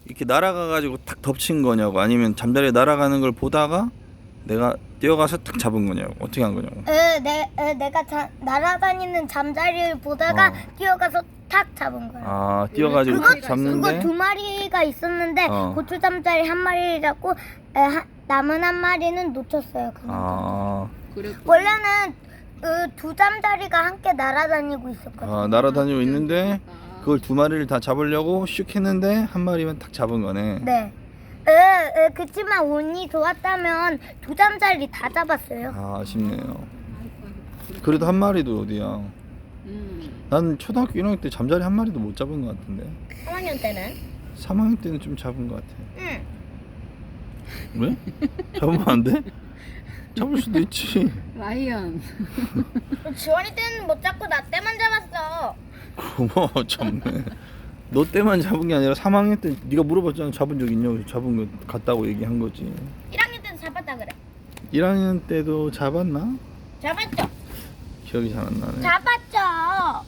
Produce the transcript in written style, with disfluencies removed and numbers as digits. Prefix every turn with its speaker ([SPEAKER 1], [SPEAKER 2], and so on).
[SPEAKER 1] 이렇게 날아가가지고 탁 덮친 거냐고, 아니면 잠자리에 날아가는 걸 보다가 내가 뛰어가서 탁 잡은 거냐고, 어떻게 한 거냐고.
[SPEAKER 2] 내가 날아다니는 잠자리를 보다가 뛰어가서 탁 잡은 거야.
[SPEAKER 1] 아, 뛰어가지고 탁 잡는데.
[SPEAKER 2] 그거 두 마리가 있었는데
[SPEAKER 1] 어.
[SPEAKER 2] 고추 잠자리 한 마리를 잡고 남은 한 마리는 놓쳤어요.
[SPEAKER 1] 아,
[SPEAKER 2] 원래는 두 잠자리가 함께 날아다니고 있었거든요.
[SPEAKER 1] 아, 날아다니고 있는데 그걸 두 마리를 다 잡으려고 슉 했는데 한 마리만 탁 잡은 거네.
[SPEAKER 2] 네. 그치만 운이 좋았다면 두 잠자리 다 잡았어요.
[SPEAKER 1] 아, 아쉽네요. 그래도 한 마리도 어디야. 난 초등학교 1학년 때 잠자리 한 마리도 못 잡은 것 같은데.
[SPEAKER 2] 3학년 때는?
[SPEAKER 1] 3학년 때는 좀 잡은 것 같아.
[SPEAKER 2] 응.
[SPEAKER 1] 왜? 잡으면 안 돼? 잡을 수도 있지.
[SPEAKER 3] 라이언.
[SPEAKER 2] 지원이 때는 못 잡고 나 때만 잡았어.
[SPEAKER 1] 고마워, 참네. 너 때만 잡은 게 아니라 3학년 때 네가 물어봤잖아. 잡은 적 있냐고. 잡은 거 같다고 얘기한 거지.
[SPEAKER 2] 1학년 때도 잡았다 그래.
[SPEAKER 1] 1학년 때도 잡았나?
[SPEAKER 2] 잡았죠?
[SPEAKER 1] 기억이 잘 안 나네.
[SPEAKER 2] 잡았죠.